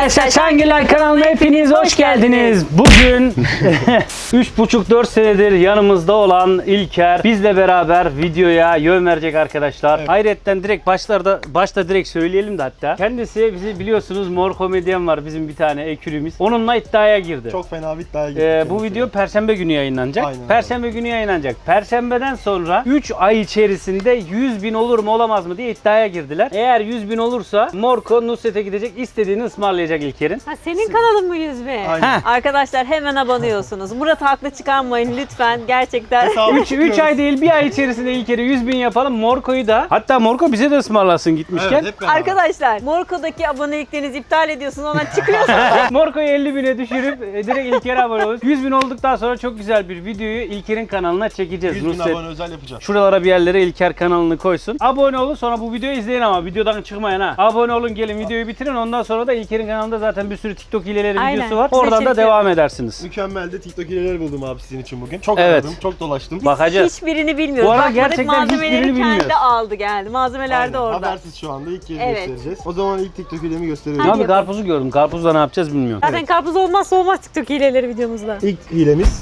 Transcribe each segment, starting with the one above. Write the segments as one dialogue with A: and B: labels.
A: Arkadaşlar Çangiller kanalına hepiniz hoş geldiniz. Bugün 3,5-4 senedir yanımızda olan İlker bizle beraber videoya yön verecek arkadaşlar. Evet. Hayretten direkt başta direkt söyleyelim de hatta. Kendisi bizi biliyorsunuz Mor Komedyen var bizim bir tane ekürümüz. Onunla iddiaya girdi.
B: Çok fena bir iddiaya girdi.
A: Bu video Perşembe günü yayınlanacak.
B: Aynen.
A: Perşembe günü yayınlanacak. Perşembeden sonra 3 ay içerisinde 100.000 olur mu olamaz mı diye iddiaya girdiler. Eğer 100.000 olursa Morko Nusret'e gidecek, istediğini ısmarlayacak İlker'in.
C: Ha, senin kanalın mı 100.000?
B: Aynen.
C: Arkadaşlar hemen abone olsunuz. Murat'ı haklı çıkarmayın lütfen gerçekten.
A: 3 ay değil bir ay içerisinde İlker'e 100.000 yapalım. Morko'yu da hatta Morko bize de ısmarlasın gitmişken.
B: Evet, hep beraber.
C: Arkadaşlar Morko'daki aboneliklerinizi iptal ediyorsunuz, ona çıkıyorsunuz.
A: Morko'yu 50.000'e düşürüp direkt İlker'e abone oluruz. 100.000 olduktan sonra çok güzel bir videoyu İlker'in kanalına çekeceğiz.
B: 100.000 abone özel yapacağız.
A: Şuralara bir yerlere İlker kanalını koysun. Abone olun, sonra bu videoyu izleyin ama videodan çıkmayın ha. Abone olun, gelin videoyu bitirin. Ondan sonra da İlker'in kanalında zaten bir sürü TikTok hileleri
C: Aynen.
A: videosu var.
C: Size
A: Oradan da
C: çekiyorum.
A: devam edersiniz.
B: Mükemmel de TikTok hileleri buldum abi sizin için bugün. Çok
A: Evet.
B: aradım, çok dolaştım.
A: Bakacağız.
C: Hiçbirini bilmiyoruz.
A: Bu arada
C: Bakmadık,
A: gerçekten
C: malzemeleri
A: hiçbirini
C: kendi
A: bilmiyoruz.
C: aldı geldi. Malzemeler de
B: Aynen,
C: orada.
B: habersiz şu anda ilk kez
C: Evet.
B: göstereceğiz. O zaman ilk TikTok hilemi gösteriyorum.
A: Ya
C: Hadi
A: abi karpuzu gördüm. Karpuzla ne yapacağız bilmiyorum.
C: Zaten karpuz olmazsa olmaz TikTok hileleri videomuzda.
B: İlk hilemiz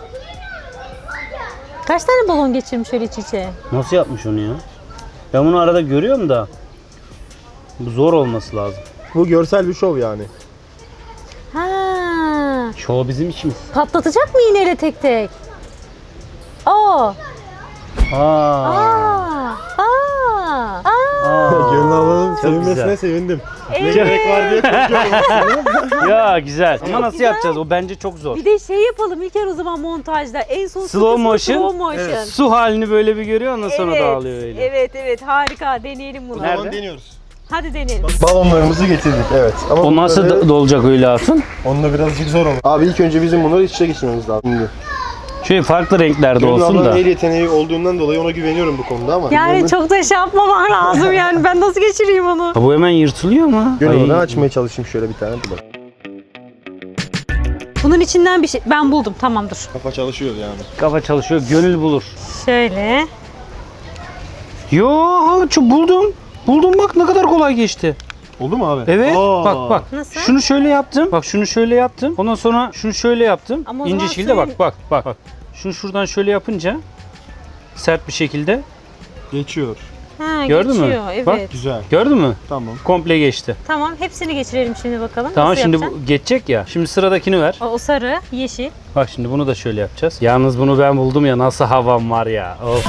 C: Kaç tane balon geçirmiş öyle iç içe?
A: Nasıl yapmış onu ya? Ben bunu arada görüyorum da bu zor olması lazım.
B: bu görsel bir şov yani.
C: Ha,
A: Çoğu bizim işimiz.
C: patlatacak mı iğneyle tek tek? Aa.
A: Aa.
C: Aa. Aa.
B: Gönül ablanın sevinmesine
A: güzel.
B: sevindim. Ne
C: Evet.
B: gerek var diye korkuyorum aslında.
A: Ya güzel. Ama nasıl
C: güzel.
A: yapacağız? O bence çok zor.
C: Bir de şey yapalım İlker o zaman montajda. En son
A: Slow
C: kısmı
A: motion.
C: Slow motion.
B: Evet.
A: Su halini böyle bir görüyor, ondan sonra
C: Evet,
A: dağılıyor öyle.
C: evet harika, deneyelim
B: O
C: bunu.
A: Nerede?
B: zaman deniyoruz.
C: Hadi deneyelim.
B: Balonlarımızı getirdik evet. Ama
A: O nasıl
B: bunları-
A: dolacak öyle Hatun?
B: Onunla birazcık zor olur. Abi ilk önce bizim bunları iç içe geçirmemiz lazım. Şimdi.
A: Şöyle farklı renklerde
B: Gönül
A: olsun
B: ablanın
A: da.
B: el yeteneği olduğundan dolayı ona güveniyorum bu konuda ama.
C: Yani çok da şey yapmaman lazım yani. Ben nasıl geçireyim onu?
A: Ha, bu hemen yırtılıyor mu?
B: Gönül
A: Ay.
B: ablanı açmaya çalışayım şöyle bir tane. Dur bak.
C: Bunun içinden bir şey... Ben buldum, tamam dur.
B: Kafa çalışıyor yani.
A: Kafa çalışıyor, gönül bulur.
C: Şöyle.
A: Yo, buldum. Buldum bak ne kadar kolay geçti.
B: Oldu mu abi?
A: Evet.
B: Aa.
A: Bak.
C: Nasıl?
A: Şunu şöyle yaptım. Bak şunu şöyle yaptım. Ondan sonra şunu şöyle yaptım.
C: Ama o
A: İnce
C: zaman
A: şekilde
C: suyun-
A: bak. Şunu şuradan şöyle yapınca sert bir şekilde.
B: Geçiyor.
C: Ha,
A: Gördün mü?
C: geçiyor, evet.
A: Bak.
B: Güzel.
A: Gördün mü?
B: Tamam.
A: Komple geçti.
C: Tamam, hepsini geçirelim şimdi bakalım.
A: Tamam
C: Nasıl
A: şimdi
C: yapacaksın?
A: bu geçecek ya. Şimdi sıradakini ver.
C: O sarı, yeşil.
A: Bak şimdi bunu da şöyle yapacağız. Yalnız bunu ben buldum ya, nasıl havam var ya. Of.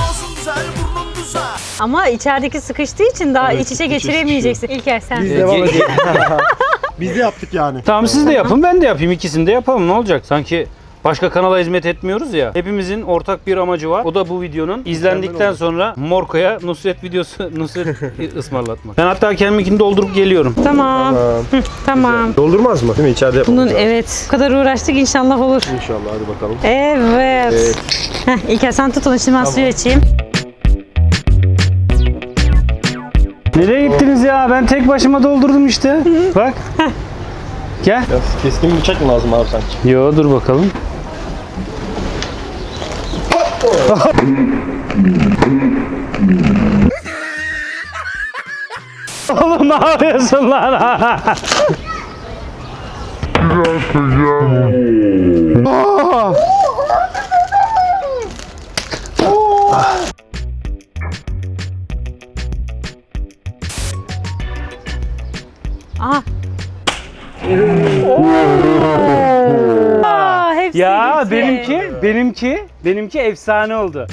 C: Ama içerideki sıkıştığı için daha
B: Evet,
C: iç içe
B: içi
C: geçiremeyeceksin. İlker sen.
B: Biz
A: Ge-
B: devam edelim. Biz de yaptık yani.
A: Tamam siz de yapın, ben de yapayım. İkisini de yapalım, ne olacak? Sanki başka kanala hizmet etmiyoruz ya. Hepimizin ortak bir amacı var. O da bu videonun izlendikten
B: oldu.
A: sonra Morko'ya Nusret ısmarlatmak. Ben hatta kendiminkini doldurup geliyorum.
C: Tamam. Tamam.
B: Doldurmaz mı? Değil mi? İçeride yapalım.
C: Bunun evet. Bu kadar uğraştık, inşallah olur.
B: İnşallah hadi bakalım.
C: Evet. Heh, İlker sen tut onu, şimdi ben suyu açayım.
A: Nereye gittiniz ya? Ben tek başıma doldurdum işte. Bak. Gel.
B: Biraz keskin bir bıçak mı lazım abi sanki?
A: Yo dur bakalım. Oğlum ne yapıyorsun lan?
C: Aha. Aa, hepsi
A: Ya
C: gitti.
A: benimki efsane oldu.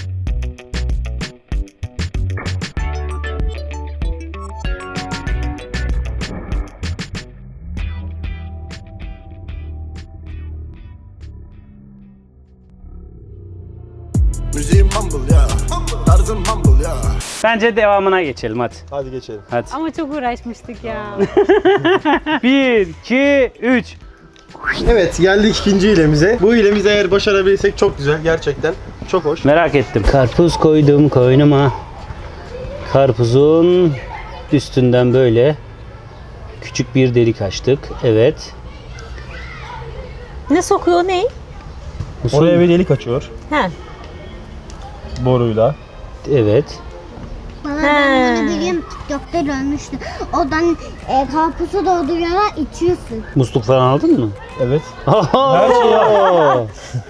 D: Müziğim humble ya, tarzım humble ya.
A: Bence devamına geçelim hadi.
B: Hadi geçelim.
A: Hadi.
C: Ama çok uğraşmıştık ya.
A: 1, 2, 3.
B: Evet geldik ikinci hilemize. Bu hilemizi eğer başarabilirsek çok güzel gerçekten. Çok hoş.
A: Merak ettim. Karpuz koydum koynuma. Karpuzun üstünden böyle küçük bir delik açtık. Evet.
C: Ne sokuyor, ne?
B: Oraya bir delik açıyor
C: He.
B: boruyla.
A: Evet.
C: He.
E: Birim TikTok'ta görmüştüm. Oradan karpuzu dolduruyorlar, içiyorsun.
A: Musluk falan aldın mı?
B: Evet.
A: Her şey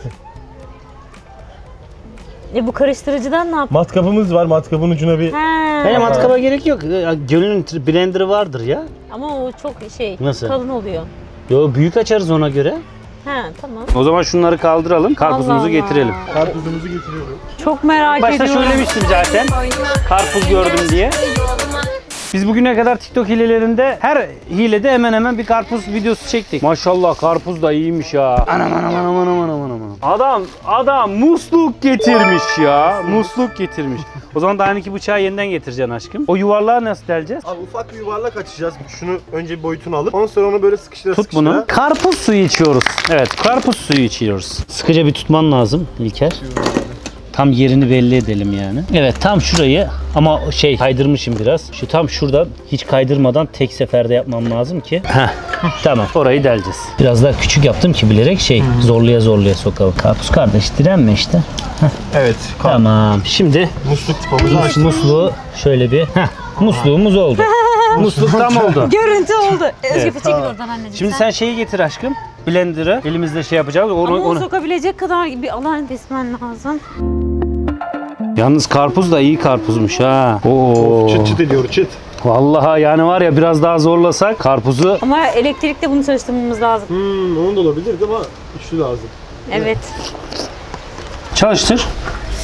C: Bu karıştırıcıdan ne yap?
B: Matkapımız var. Matkapın ucuna bir...
A: Benim matkaba gerek yok. Gönül'ün blenderı vardır ya.
C: Ama o çok
A: Nasıl?
C: kalın oluyor.
A: Yo, büyük açarız ona göre.
C: He tamam.
A: O zaman şunları kaldıralım. Karpuzumuzu
C: Allah Allah.
A: getirelim.
B: Karpuzumuzu getiriyorum.
C: Çok merak
A: Başta
C: ediyorum.
A: söylemiştim zaten. Karpuz gördüm diye. Biz bugüne kadar TikTok hilelerinde her hilede hemen hemen bir karpuz videosu çektik. Maşallah karpuz da iyiymiş ya. Anam. Adam musluk getirmiş ya. Musluk getirmiş. O zaman daha iki bıçağı yeniden getireceksin aşkım. O yuvarlağı nasıl deleceğiz?
B: Abi ufak bir yuvarlak açacağız. Şunu önce bir boyutunu alıp ondan sonra onu böyle sıkıştıra
A: Tut bunu. Karpuz suyu içiyoruz. Evet, karpuz suyu içiyoruz. Sıkıca bir tutman lazım İlker. Tam yerini belli edelim yani. Evet, tam şurayı ama kaydırmışım biraz. Şu tam şuradan hiç kaydırmadan tek seferde yapmam lazım ki. Tamam, orayı deleceğiz. Biraz daha küçük yaptım ki bilerek zorlaya sokalım. Karpuz kardeş direnme işte.
B: Evet.
A: Tamam. Şimdi
B: Musluk tıpamızı açtık.
A: musluğu şöyle bir musluğumuz oldu. Musluk tam oldu.
C: Görüntü oldu. Özge
A: Evet.
C: çekil oradan anneciğim.
A: Şimdi sen şeyi getir aşkım. Blender'ı elimizde yapacağız.
C: Ama onu
A: Onu...
C: sokabilecek kadar bir alan kesmen lazım.
A: Yalnız karpuz da iyi karpuzmuş ha. Oo.
B: Çıt çıt ediyor çıt.
A: Vallahi yani var ya biraz daha zorlasak karpuzu.
C: Ama elektrikle bunu çalıştırmamız lazım.
B: Onun da olabilirdi ama üçlü lazım.
C: Evet.
A: Çalıştır.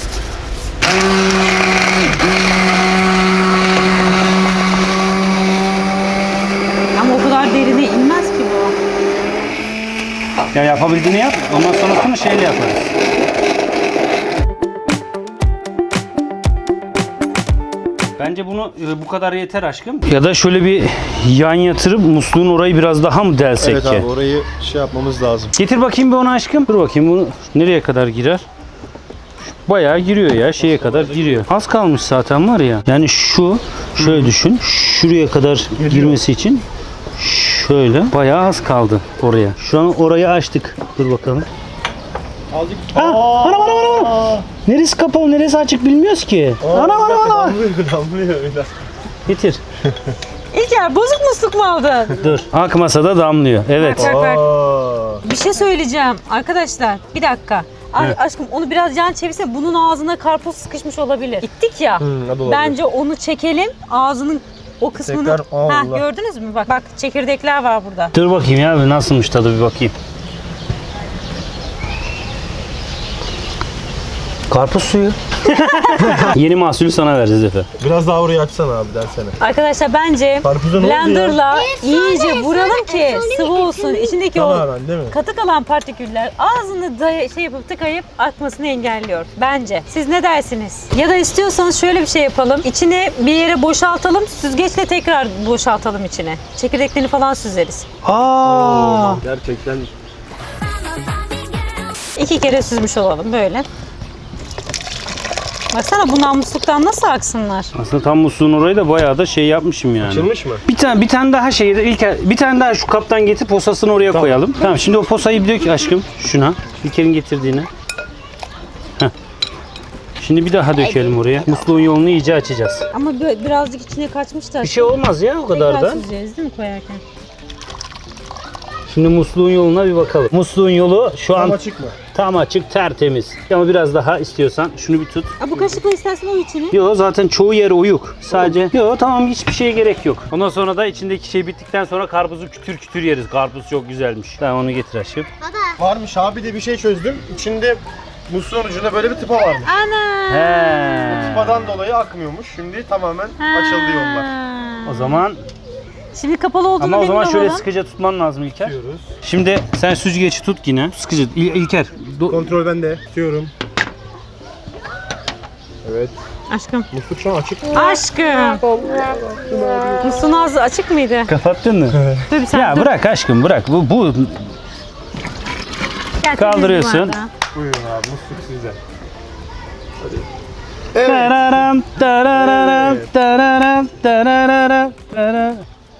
C: Ama o kadar derine inmez ki bu.
A: Ya yapabildiğini yap. Ondan sonrasını şeyle yaparız. Bence bunu bu kadar yeter aşkım. Ya da şöyle bir yan yatırıp musluğun orayı biraz daha mı delsek
B: Evet
A: ki?
B: abi orayı yapmamız lazım.
A: Getir bakayım bir onu aşkım. Dur bakayım bunu nereye kadar girer? Bayağı giriyor ya, şeye kadar giriyor. Az kalmış zaten var ya. Yani şöyle düşün. Şuraya kadar girmesi için şöyle bayağı az kaldı oraya. Şu an orayı açtık. Dur bakalım.
B: Azıcık.
A: Ana. Neresi kapalı, neresi açık bilmiyoruz ki. Ana.
B: Damlıyor.
A: Getir.
C: İlker bozuk musluk mu aldın?
A: Dur. Ak masada damlıyor. Evet.
C: Bak. Bir şey söyleyeceğim arkadaşlar. Bir dakika. Aşkım onu biraz yan çevirsene. Bunun ağzına karpuz sıkışmış olabilir. Gittik ya. Bence onu çekelim. Ağzının o kısmını.
B: Tekrar, Allah.
C: Gördünüz mü? Bak çekirdekler var burada.
A: Dur bakayım ya nasılmış tadı bir bakayım. Karpuz suyu. Yeni mahsulü sana vereceğiz Efe.
B: Biraz daha orayı açsana abi dersene.
C: Arkadaşlar bence
B: Karpuza ne oldu ya?
C: blenderla iyice vuralım ki sıvı olsun. İçindeki o
B: Tamamen değil mi?
C: katı kalan partiküller ağzını yapıp tıkayıp akmasını engelliyor. Bence. Siz ne dersiniz? Ya da istiyorsanız şöyle bir şey yapalım. İçine bir yere boşaltalım. Süzgeçle tekrar boşaltalım içine. Çekirdeklerini falan süzeriz.
A: Aa.
B: Gerçekten
C: 2 kere süzmüş olalım böyle. Baksana bundan musluktan nasıl aksınlar?
A: Aslında tam musluğun orayı da bayağı da yapmışım yani.
B: açılmış mı?
A: Bir tane daha bir tane daha şu kaptan getir posasını oraya koyalım. Tamam şimdi o posayı bir dök aşkım şuna. İlker'in getirdiğine. Heh. Şimdi bir daha dökelim oraya. Musluğun yolunu iyice açacağız.
C: Ama birazcık içine kaçmış da.
A: Bir şey olmaz ya o kadar
C: Tekrar
A: da.
C: süzeceğiz değil mi koyarken?
A: Şimdi musluğun yoluna bir bakalım. Musluğun yolu şu an
B: açık mı?
A: tam açık, tertemiz. Ama biraz daha istiyorsan şunu bir tut.
C: Bu kaşıkla istersen o içine.
A: Yo zaten çoğu yer oyuk. Sadece tamam hiçbir şeye gerek yok. Ondan sonra da içindeki şey bittikten sonra karpuzu kütür kütür yeriz. Karpuz çok güzelmiş. Tamam onu getir aşkım.
B: Varmış abi de bir şey çözdüm. İçinde musluğun ucunda böyle bir tıpa varmış.
C: Ana.
A: He.
B: Tıpadan dolayı akmıyormuş. Şimdi tamamen açıldı yollar.
A: O zaman
C: Şimdi kapalı olduğunu
A: ama o zaman
C: emin
A: şöyle
C: olalım.
A: sıkıca tutman lazım İlker.
B: Tutuyoruz.
A: Şimdi sen süzgeci tut yine. Sıkıca İlker.
B: Kontrol bende. Tutuyorum. Evet.
C: Aşkım.
B: Musluk şu an açık.
C: Aşkım. Musluğun ağzı açık mıydı?
A: Kapattın mı?
C: Dur bir sen
A: Ya
C: dur.
A: bırak aşkım bırak. Bu
C: Gel,
A: kaldırıyorsun.
C: temizlik var
B: Buyurun abi musluk sizden.
A: Tararam, tararam, tararam, tararam, tararam.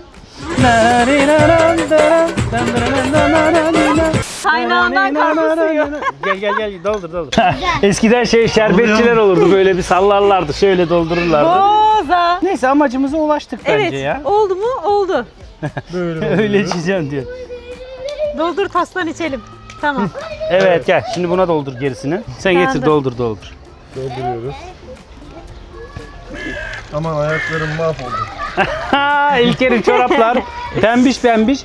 C: Kaynağından karpuz suyu.
A: Gel doldur. Eskiden şerbetçiler olurdu böyle bir sallarlardı şöyle doldururlardı.
C: fazla.
A: Neyse amacımıza ulaştık bence
C: Evet.
A: ya.
C: Oldu mu? Oldu.
A: Öyle içeceğim diyor.
C: Doldur taslan içelim. Tamam.
A: Evet gel şimdi buna doldur gerisini. Sen
C: Ben
A: getir
C: de.
A: doldur.
B: Dolduruyoruz. Aman ayaklarım mahvoldu.
A: Ha İlker'in çoraplar pembiş.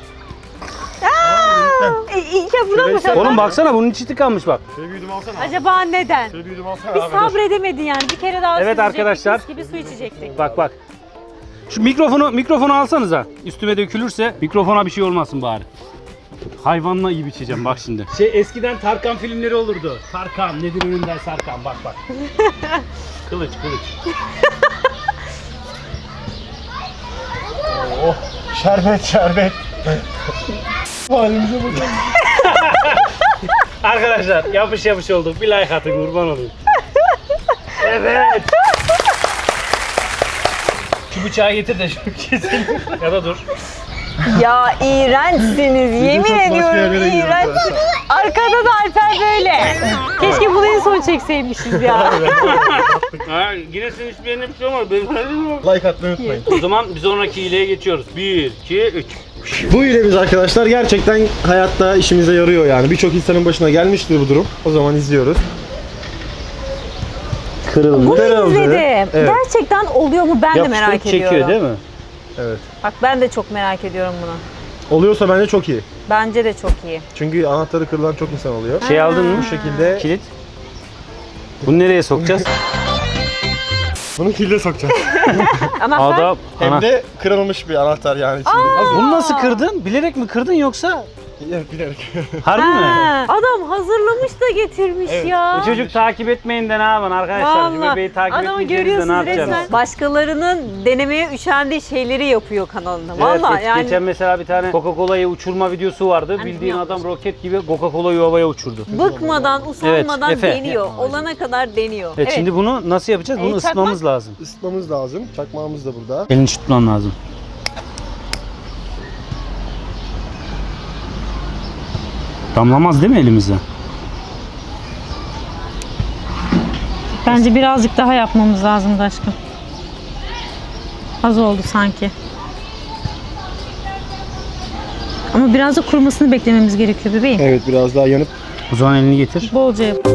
C: İlker buna mı şaka?
A: Oğlum baksana bunun içi tıkanmış bak.
B: Şöyle bir yudum alsana.
C: Acaba neden?
B: Şöyle bir yudum alsana
C: Biz
B: abi.
C: sabredemedin yani. Bir kere daha
A: Evet
C: süzecektik,
A: arkadaşlar.
C: mis gibi su içecektik.
A: Bak. Şu mikrofonu alsanıza. Üstüme dökülürse mikrofona bir şey olmasın bari. Hayvanla iyi içeceğim bak şimdi. Eskiden Tarkan filmleri olurdu. Tarkan nedir önünden Sarkan bak. Kılıç.
B: Oh, şerbet. Halimize bakın.
A: Arkadaşlar yapış olduk. Bir like atın kurban olayım. Evet. Şu bıçağı getir de şunu keselim. Ya da dur.
C: Ya iğrençsiniz. Yemin
B: çok başka
C: ediyorum
B: yerlere gidiyor
C: iğrençsiniz. Arkada da Alper böyle. Keşke bunu en son çekseymişiz ya.
A: Ha, yine sen hiçbir yerine bir şey olmadı.
B: Like atmayı unutmayın.
A: O zaman bir sonraki hileye geçiyoruz. 1, 2, 3.
B: Bu hilemiz arkadaşlar gerçekten hayatta işimize yarıyor yani. Birçok insanın başına gelmiştir bu durum. O zaman izliyoruz.
C: Bunu
B: Kırıldı.
C: izledim.
B: Evet.
C: Gerçekten oluyor mu ben de merak ediyorum.
A: çekiyor değil mi?
B: Evet.
C: Bak ben de çok merak ediyorum bunu.
B: Oluyorsa bence çok iyi.
C: Bence de çok iyi.
B: Çünkü anahtarı kırılan çok insan oluyor.
A: Şey aldın mı?
B: Bu şekilde
A: Kilit. Bunu nereye sokacağız?
B: bunu kilide sokacağız.
C: Anahtar.
A: Adam.
B: Hem de kırılmış bir anahtar yani içinde.
A: Bunu nasıl kırdın? Bilerek mi kırdın yoksa?
B: Evet, bilerek.
A: Harbi mi?
C: Ha, adam hazırlamış da getirmiş ya.
A: Bu çocuk takip etmeyin de ne yapın arkadaşlar? Şu bebeği takip
C: adamı
A: etmeyeceğiniz de ne
C: görüyorsunuz
A: yapacaksınız?
C: resmen. Başkalarının denemeye üşendiği şeyleri yapıyor kanalında. Vallahi
A: Evet,
C: yani.
A: geçen mesela bir tane Coca-Cola'yı uçurma videosu vardı.
C: Hani
A: Bildiğin
C: yapmış.
A: adam roket gibi Coca-Cola'yı havaya uçurdu.
C: Bıkmadan, usanmadan
A: Evet, Efe.
C: deniyor. Olana kadar deniyor.
A: Evet, şimdi bunu nasıl yapacağız? Bunu
C: çakmak.
A: ısıtmamız lazım.
B: Isıtmamız lazım. Çakmağımız da burada.
A: Elini tutman lazım. Damlamaz değil mi elimize?
C: Bence birazcık daha yapmamız lazım aşkım. Az oldu sanki. Ama biraz da kurumasını beklememiz gerekiyor bebeğim.
B: Evet, biraz daha yanıp
A: O zaman elini getir.
C: Bolca yap.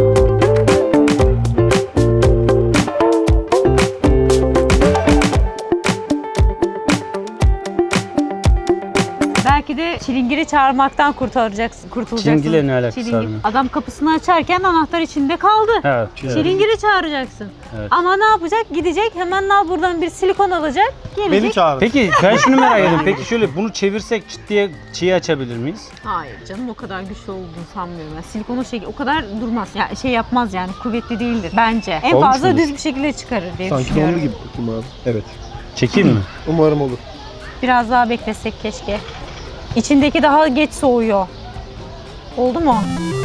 C: Belki de çilingiri çağırmaktan kurtulacaksın.
A: Çilingirle ne alakası var bunun?
C: Adam kapısını açarken anahtar içinde kaldı.
A: Evet.
C: Çilingiri çağıracaksın.
A: Evet.
C: Ama ne yapacak? Gidecek hemen al buradan bir silikon alacak. Gelecek.
B: beni çağırın.
A: Peki ben şunu merak ediyorum. Peki şöyle bunu çevirsek çıt diye şeyi açabilir miyiz?
C: Hayır canım o kadar güçlü olduğunu sanmıyorum. Yani silikonu o kadar durmaz. Ya şey yapmaz yani kuvvetli değildir bence. En
B: Olmuş
C: fazla
B: mudur?
C: düz bir şekilde çıkarır diye
B: Sanki
C: düşünüyorum.
B: donlu gibi bakayım abi. Evet.
A: Çekeyim mi?
B: Umarım olur.
C: Biraz daha beklesek keşke. İçindeki daha geç soğuyor. Oldu mu?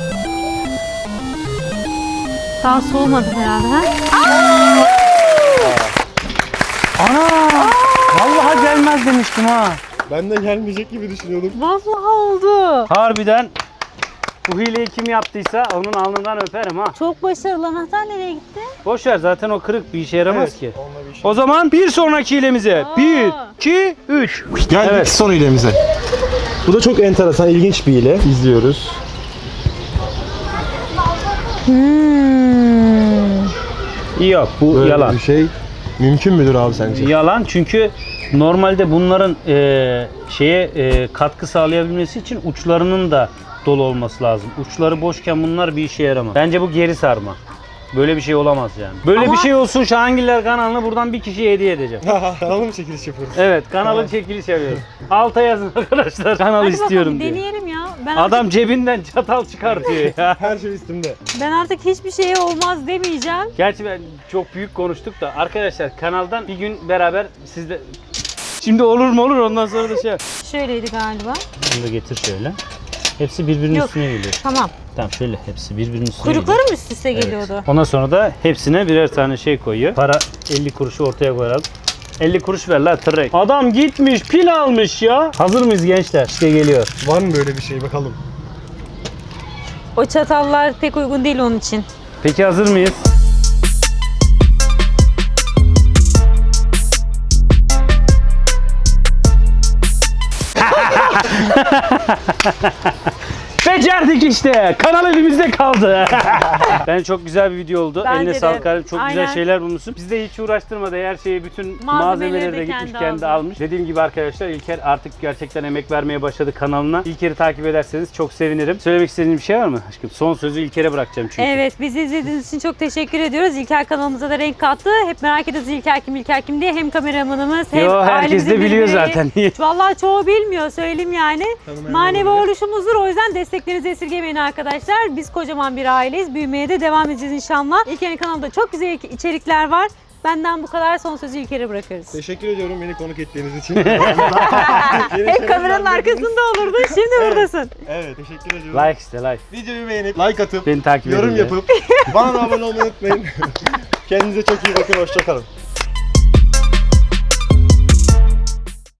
C: Daha soğumadı herhalde ha?
A: Ana! Vallahi gelmez demiştim ha.
B: Ben de gelmeyecek gibi düşünüyordum.
C: Vallahi oldu.
A: Harbiden bu hileyi kim yaptıysa onun alnından öperim ha.
C: Çok başarılı. Anahtar nereye gitti?
A: Boş ver zaten o kırık bir işe yaramaz ki.
B: Onunla bir şey.
A: O zaman bir sonraki hilemize. 1, 2, 3.
B: Geldik
A: Evet.
B: son hilemize. Bu da çok enteresan, ilginç bir hile. İzliyoruz.
A: Yok bu
B: Böyle
A: yalan.
B: bir şey mümkün müdür abi sence?
A: Yalan çünkü normalde bunların katkı sağlayabilmesi için uçlarının da dolu olması lazım. Uçları boşken bunlar bir işe yaramaz. Bence bu geri sarma. Böyle bir şey olamaz yani. Böyle
C: Ama-
A: bir şey olsun Şahangiller kanalını buradan bir kişiye hediye edeceğim.
B: Kanalım çekiliş yapıyoruz.
A: Evet kanalın çekiliş yapıyoruz. Alta yazın arkadaşlar kanal
C: Hadi
A: istiyorum
C: bakalım
A: diye.
C: deneyelim ya.
A: Adam cebinden çatal çıkartıyor ya.
B: Her şey üstümde.
C: Ben artık hiçbir şeye olmaz demeyeceğim.
A: Gerçi ben çok büyük konuştuk da arkadaşlar kanaldan bir gün beraber sizle... Şimdi olur mu olur ondan sonra da şey yap.
C: Şöyleydi galiba.
A: Bunu da getir şöyle. Hepsi birbirinin
C: Yok.
A: üstüne geliyor.
C: Tamam.
A: Tamam şöyle hepsi birbirinin üstüne
C: Kuyrukları
A: geliyor.
C: mı üst üste geliyordu?
A: Ondan sonra da hepsine birer tane şey koyuyor. Para 50 kuruşu ortaya koyalım. 50 kuruş ver la tırrek. Adam gitmiş pil almış ya. Hazır mıyız gençler? İşte geliyor.
B: Var mı böyle bir şey bakalım?
C: O çatallar pek uygun değil onun için.
A: Peki hazır mıyız? Becerdik işte. Kanal elimizde kaldı. Bence çok güzel bir video oldu.
C: Bence
A: Eline
C: de.
A: sağlık kardeşim. Çok güzel
C: Aynen.
A: şeyler bulmuşsun. Biz de hiç uğraştırmadı. Her şeyi, bütün
C: Malzemeleri
A: malzemeleri
C: de
A: de gitmiş
C: kendi
A: kendi
C: aldı.
A: almış. Dediğim gibi arkadaşlar İlker artık gerçekten emek vermeye başladı kanalına. İlker'i takip ederseniz çok sevinirim. Söylemek istediğin bir şey var mı aşkım? Son sözü İlker'e bırakacağım çünkü.
C: Evet, bizi izlediğiniz için çok teşekkür ediyoruz. İlker kanalımıza da renk kattı. Hep merak ediyoruz İlker kim diye. Hem kameramanımız hem
A: Yo, herkes
C: ailemizin
A: de biliyor
C: bireyi.
A: zaten.
C: Vallahi çoğu bilmiyor, söyleyeyim yani. Manevi oluşumuzdur. O yüzden desteklerinizi esirgemeyin arkadaşlar. Biz kocaman bir aileyiz. Büyümeye de devam edeceğiz inşallah. İlker'in kanalında çok güzel içerikler var. Benden bu kadar. Son sözü İlker'e bırakıyoruz.
B: Teşekkür ediyorum beni konuk ettiğiniz için.
C: Hep kameranın arkasında olurdun. Şimdi buradasın.
B: Evet teşekkür ediyorum.
A: Like iste like.
B: Videoyu beğenip like atıp
A: Beni takip edin.
B: yorum
A: de.
B: yapıp bana da abone olmayı unutmayın. Kendinize çok iyi bakın. Hoşça kalın.